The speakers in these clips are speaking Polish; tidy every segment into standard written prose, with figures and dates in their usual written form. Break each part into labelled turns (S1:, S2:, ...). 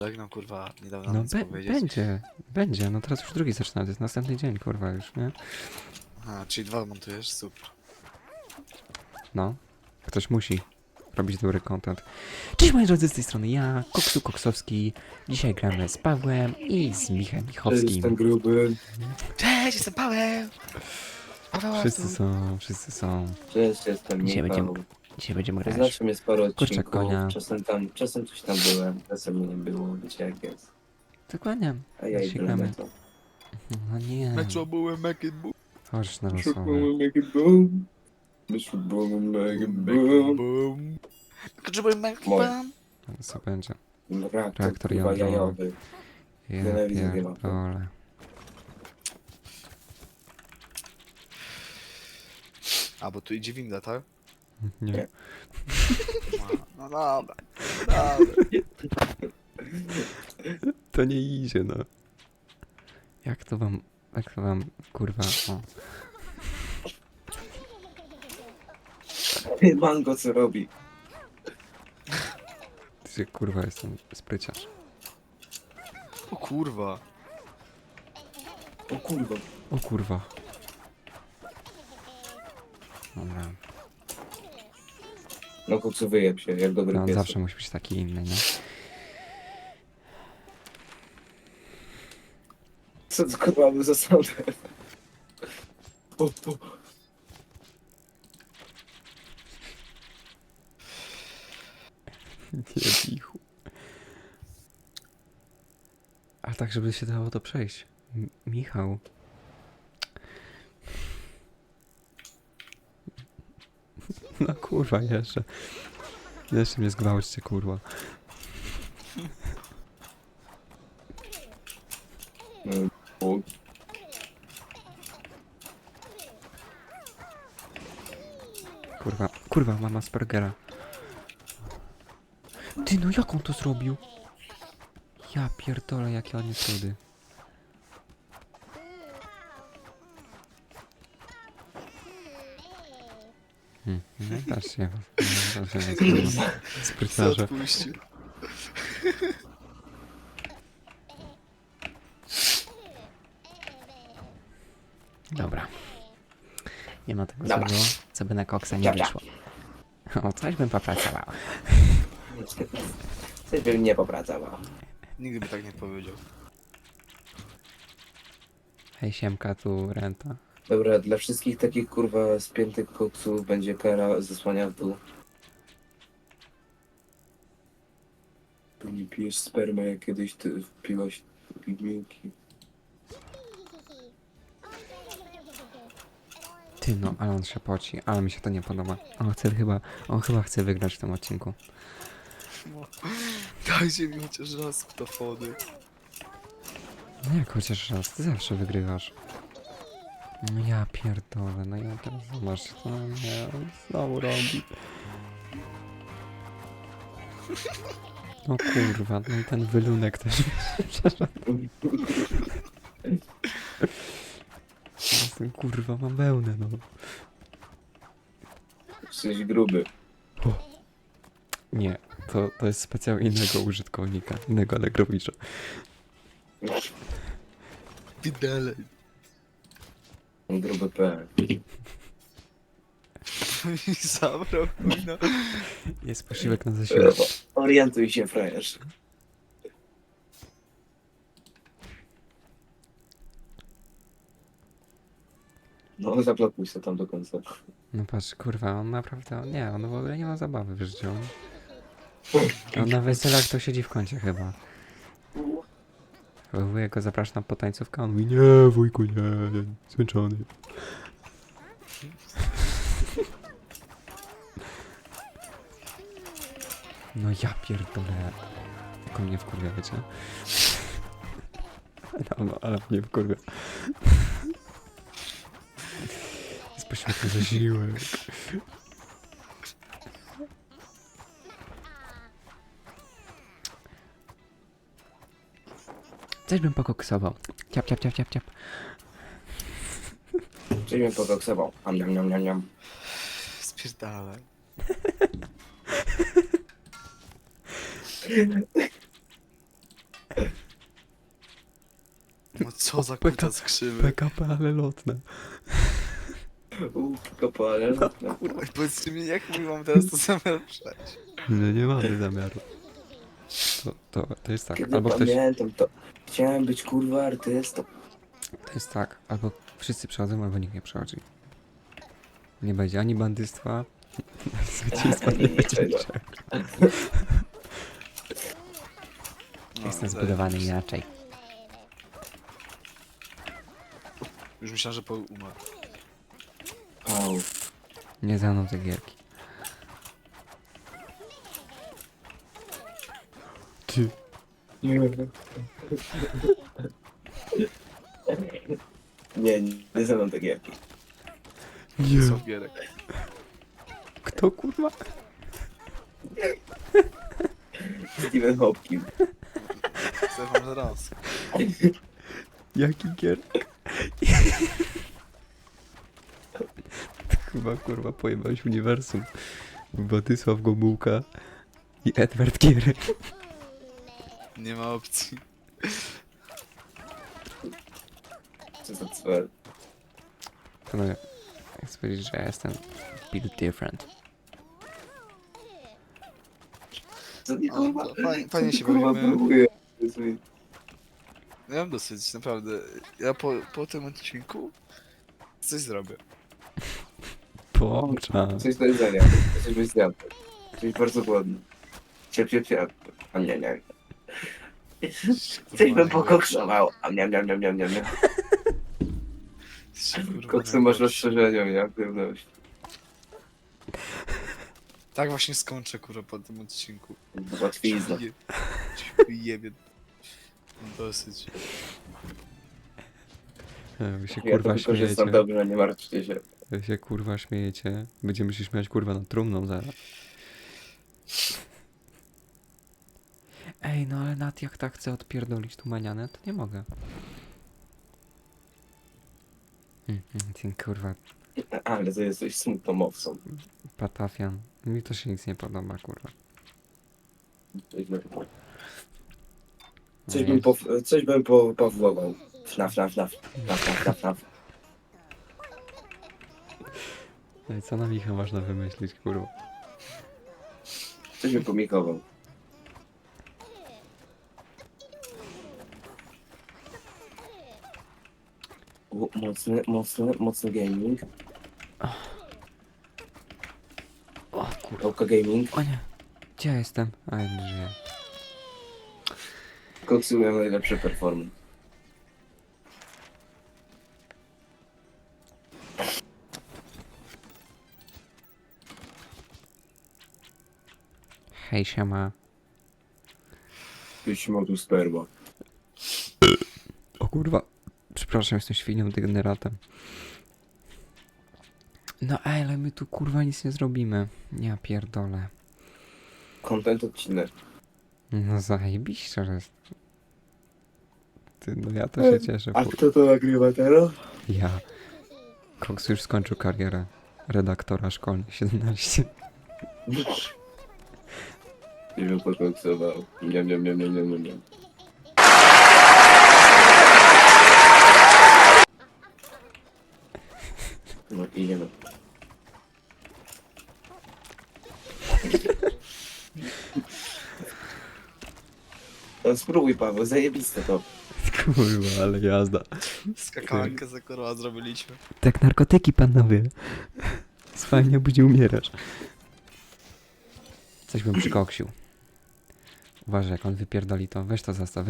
S1: Żegnam, kurwa, niedawno
S2: No
S1: nic powiedzieć.
S2: będzie, no teraz już drugi zaczyna, to jest następny dzień, kurwa już, nie?
S1: Aha, czyli 2 montujesz? Super.
S2: No, ktoś musi robić dobry content. Cześć moi drodzy, z tej strony ja, Koksu Koksowski. Dzisiaj gramy z Pawłem i z Michem
S3: Jestem
S2: Michowskim.
S3: gruby.
S1: Cześć, jestem Paweł! Paweł
S2: Wszyscy są.
S3: Cześć, jestem
S2: Dzisiaj
S3: Michał.
S2: Dzisiaj będziemy grać.
S3: Znaczy mnie sporo
S2: Kurczak
S3: odcinków.
S2: konia.
S3: Czasem coś tam byłem, czasem mnie nie było, wiecie jak jest.
S2: Dokładnie.
S3: A ja
S2: Dzisiaj
S3: idę na
S2: gramy.
S3: to.
S2: No nie,
S1: Metro byłem, make it boom.
S2: chodź na losowe.
S3: make it boom. Make it boom.
S1: Boom. Metro byłem, make it
S3: Moje.
S1: boom.
S2: Co będzie?
S3: Reaktor
S2: Reaktor
S3: kurwa
S2: jądrowy.
S3: jajowy.
S2: Ja
S3: Nienawidzę
S2: pierdolę.
S1: A, bo tu idzie winda, tak?
S2: Nie.
S3: Nie.
S1: No dobra. Dobra.
S2: To nie idzie, no. Jak to wam, kurwa, o.
S3: Mango co robi?
S2: Ty, kurwa, jestem spryciarz.
S1: O kurwa.
S3: O kurwa.
S2: O kurwa. Dobra,
S3: No koksu wyjeb się, jak dobry
S2: no,
S3: pies.
S2: zawsze musi być taki inny, no.
S3: Co to kurwa był za sound? O.
S2: Nie bichu. A tak, żeby się dało to przejść. Michał. No kurwa, jeszcze. Jeszcze mnie zgwałćcie, kurwa.
S3: O.
S2: Kurwa, mama Aspergera. Ty, no jak on to zrobił? Ja pierdolę, jakie on jest rudy. No też się. Spryciarze.
S1: Odpuścił.
S2: Dobra. Nie ma tego
S3: Dobra.
S2: złego, co by na koksa nie
S3: Dobra.
S2: wyszło. O, coś bym popracował.
S3: Coś bym nie popracował.
S1: Nigdy by tak nie powiedział.
S2: Hej, siemka, tu renta.
S3: Dobra, dla wszystkich takich kurwa spiętych koksów będzie kara zesłania w dół. Nie pijesz spermę, jak kiedyś ty wpiłaś pigmiłki.
S2: Ty, no, ale on się poci, ale mi się to nie podoba. On chyba chce wygrać w tym odcinku.
S1: Dajcie mi chociaż raz ktofony.
S2: No jak chociaż raz, ty zawsze wygrywasz. No ja pierdolę, no ja teraz zobacz, co nie, on znowu robi. No kurwa, no i ten wylunek też Jestem kurwa, mam wełnę, no.
S3: Jesteś gruby.
S2: Nie, to jest specjal innego użytkownika, innego Allegrowicza.
S1: Widele.
S3: Gruby P.
S1: I zabrał mój no.
S2: Jest posiłek na zasiłek.
S3: Orientuj się, frajerz. No, zablokuj się tam do końca.
S2: No patrz, kurwa, on naprawdę, nie, on w ogóle nie ma zabawy w życiu. On na weselach to siedzi w kącie chyba. Wujek go zaprasza na potańcówkę, on mówi, nie wujku, nie, zmęczony. No ja pierdolę. Jak on mnie wkurwia, wiecie? No, ale mnie wkurwia. Jest poświetny zasiłek. Coś bym pokoksował. Ciap, ciap, ciap, ciap, ciap.
S3: Czyli mnie pokoksował. Niam, niam, niam, niam.
S1: Spierdalaj. No co za
S2: Pyta-
S1: kuta skrzywy.
S2: PKP, ale lotne.
S3: Kopale, no.
S1: Oj, powiedzcie mi, jak my mam teraz to zamiar przejść?
S2: No nie mamy zamiaru. To jest tak,
S3: Kiedy
S2: albo ktoś...
S3: pamiętam to. Chciałem być kurwa artystą.
S2: To jest tak, albo wszyscy przechodzą, albo nikt nie przechodzi. Nie będzie ani bandystwa, zwycięstwa nie
S3: Nie,
S2: będzie
S3: czego.
S2: niczego.
S1: No,
S2: Jestem
S1: zajebiście.
S2: zbudowany inaczej.
S1: Już myślałem, że umarł.
S3: Au.
S2: Nie za mną te gierki. Ty.
S3: Nie ze mną tak jak.
S2: Nie.
S1: Co gierek.
S2: Kto kurwa?
S3: Steven Hopkins.
S1: Stefan raz.
S2: Jaki gier? Chyba kurwa pojebałeś uniwersum. Władysław Gomułka i Edward Gierek.
S1: Nie ma opcji.
S3: Co za cwer.
S2: Panowie, chcę powiedzieć, że ja jestem built different.
S3: Co nie
S1: O, to fajnie się
S3: kurwa
S1: bawimy.
S3: próbuję.
S1: Ja mam dosyć, naprawdę. Ja po tym odcinku coś zrobię.
S2: Połącza.
S3: Coś do jedzenia. Coś byś zjadł. Coś bardzo głodny. Ciep. A nie. Coś bym pokoksował. A miam. Koksy masz rozszerzeniu, ja pewność.
S1: Tak właśnie skończę, kurwa, po tym odcinku.
S3: Łatwizna.
S1: Jebie. Dosyć.
S2: Wy się
S3: Ja to
S2: kurwa
S3: wykorzystam
S2: śmiejecie.
S3: dobrze, nie martwcie się.
S2: Wy się kurwa śmiejecie. Będziemy się śmiać kurwa nad trumną zaraz. Ej, no ale Nat jak tak chce odpierdolić tu manianę, to nie mogę. Ten kurwa
S3: Ale to jesteś smutną owcą.
S2: patafian. Mi to się nic nie podoba, kurwa.
S3: Coś bym powłował. Fnaf.
S2: No i co na Micha można wymyślić, kurwa?
S3: Coś bym pomikował. Mocny gaming.
S2: O kurwa.
S3: Oka gaming.
S2: O nie. Gdzie ja jestem? A ja nie żyję.
S3: Koksuję najlepsze performance.
S2: Hej, siema.
S3: Jeśli ma tu sperma.
S2: O kurwa. Przepraszam, jestem świnią degeneratem. No ej, ale my tu kurwa nic nie zrobimy. Ja pierdolę.
S3: Content odcinek.
S2: No zajebiście, że jest. Ty, no ja to się cieszę.
S3: A kto to nagrywa teraz?
S2: Ja. Cox już skończył karierę redaktora szkolnej 17.
S3: Nie wiem, pokoksował. Nie. No idziemy. No spróbuj, Paweł, zajebiste to.
S2: Kurwa, ale jazda.
S1: Skakankę za kurwa zrobiliśmy.
S2: Tak, narkotyki, panowie. Fajnie, będzie umierasz. Coś bym przykoksił. Uważaj, jak on wypierdoli to. Weź to zastaw.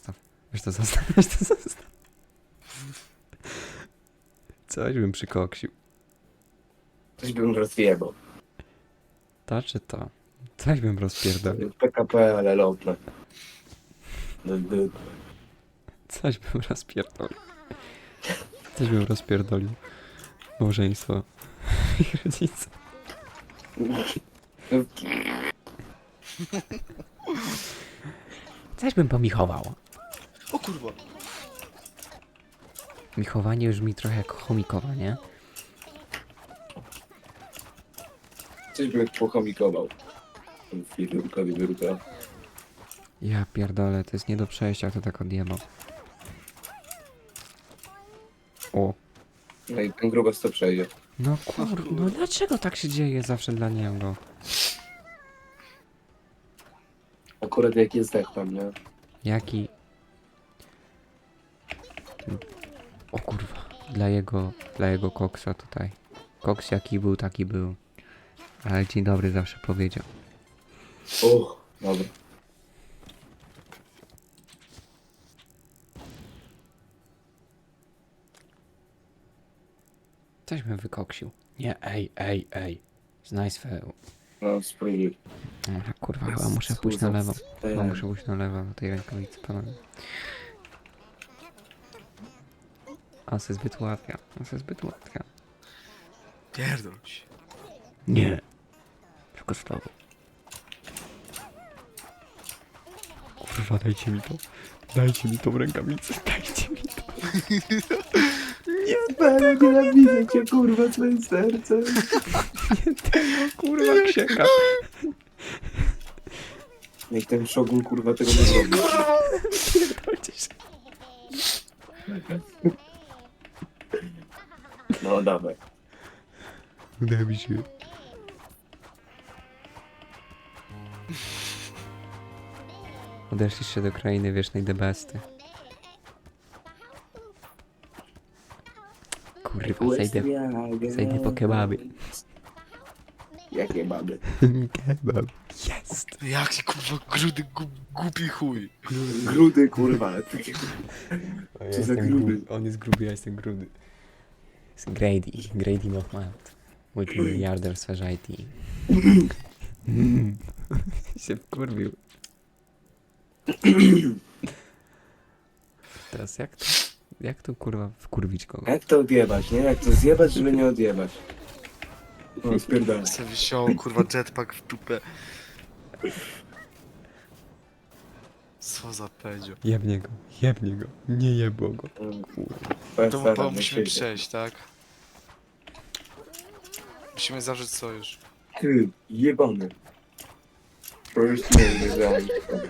S2: Coś bym przykoksił.
S3: Coś bym rozjebał.
S2: To czy to? Coś bym rozpierdolił.
S3: PKP, ale lotne.
S2: Coś bym rozpierdolił. Coś bym rozpierdolił. Małżeństwo. Ich rodzice. Coś bym pomichował.
S1: O kurwa.
S2: Michowanie już mi trochę jak chomikowanie.
S3: Coś bym pochomikował. Wyrka.
S2: Ja pierdolę, to jest nie do przejścia, kto tak odjebał. O.
S3: No i ten grubas to przejdzie.
S2: No no dlaczego tak się dzieje zawsze dla niego?
S3: Akurat jak jest zdech tam, nie?
S2: Jaki... O kurwa, dla jego koksa tutaj. Koks jaki był, taki był. Ale dzień dobry zawsze powiedział.
S3: O, dobra.
S2: Coś mnie wykoksił. Nie, ej. Znaj swe...
S3: No, spróbuj.
S2: Aha, kurwa, chyba muszę pójść na lewo. Chyba muszę pójść na lewo, na tej rękawicy, panowie. A se zbyt łatwia,
S1: Pierdol się.
S2: Nie. Tylko z tobą. Kurwa, dajcie mi to. Dajcie mi tą rękawicę, dajcie mi to.
S3: Nienawidzę cię, kurwa, swoim sercem.
S2: Nie tego, kurwa, księga.
S3: Niech ten szogun, kurwa, tego nie zrobi.
S2: Pierdolcie się.
S3: No, dawaj.
S2: Uda mi się. Odeszliście do krainy wiecznej debesty. Kurwa, zejdę po kebaby.
S3: Jakie baby?
S2: Kebab. Jest.
S1: Jaki kurwa grudy, głupi chuj.
S3: Grudy, kurwa. Co za grudy?
S2: On jest gruby, ja jestem grudy. Jest Grady Mohamed. Multimiliarder w sferze IT. się wkurwił. Teraz jak to kurwa wkurwić kogo?
S3: Jak to odjebać, nie? Jak to zjebać, żeby nie odjebać? O, spierdolę.
S1: Se wisiał kurwa jetpack w dupę. Co za pedzio.
S2: Jebnie go. Nie jebło go.
S1: To musimy przejść, tak? Musimy zawrzeć sojusz.
S3: Ty, jebany. Po prostu nie wiedziałem.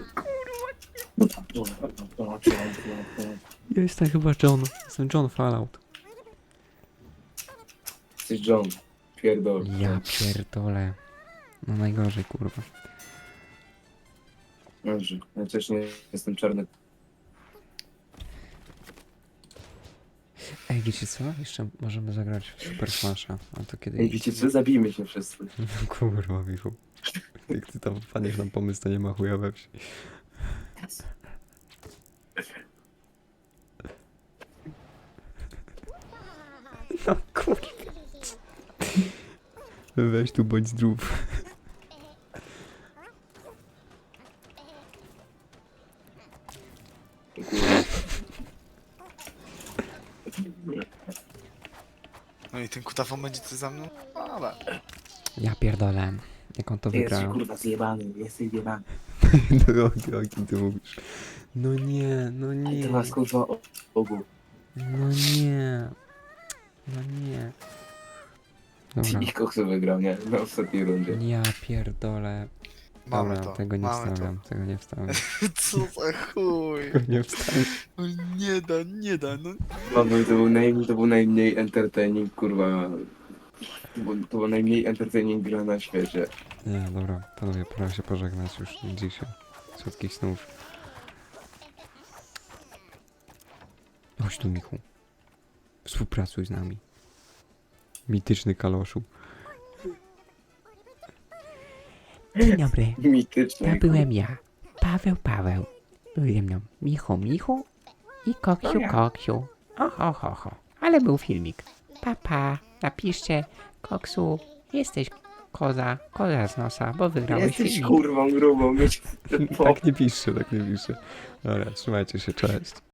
S2: Ja jestem chyba John. Jestem John Fallout.
S3: Jesteś John. Pierdol.
S2: Ja pierdolę. No najgorzej kurwa.
S3: Dobrze, ja też nie jestem czarny.
S2: Ej, wiecie co? Jeszcze możemy zagrać w Super Smasha. A to kiedy...
S3: Ej, wiecie co? Zabijmy się wszyscy.
S2: Kurwa, Michu. Jak ty tam wpadniesz na pomysł, to nie ma chuja we wsi. No kurwa. Weź tu, bądź zdrów.
S1: No i ten kutafon będzie ty za mną? Ale.
S2: Ja pierdolę. Jak on to
S3: Jesteś
S2: wygrał.
S3: kurwa zjebany, jesteś zjebany.
S2: No o kim ty mówisz? No nie.
S3: Ty masz kurwa ogół.
S2: No nie. Dobra.
S3: I koksu wygrał, nie? Na ostatniej rundzie.
S2: Ja pierdolę.
S1: Mamy
S2: Dobra,
S1: to.
S2: tego nie
S1: mamy
S2: wstawiam. Tego nie wstawiam.
S1: To. Co za chuj.
S2: Tego nie wstawiam.
S1: No nie da, no.
S3: Mamy, to był najmniej entertaining, kurwa. To był najmniej entertaining gra na świecie.
S2: Nie, dobra, panowie, pora się pożegnać już dzisiaj. Słodkich snów. Chodź tu, Michu. Współpracuj z nami. Mityczny kaloszu. Dzień dobry,
S3: Mityczny.
S2: to byłem ja. Paweł. Był ze mną Michu i Koksiu. Oho. Ale był filmik. Papa, napiszcie Koksu, jesteś koza z nosa, bo wygrałeś
S3: Jesteś
S2: filmik.
S3: kurwą grubą, mieć
S2: Tak nie piszcie. Dobra, trzymajcie się, cześć.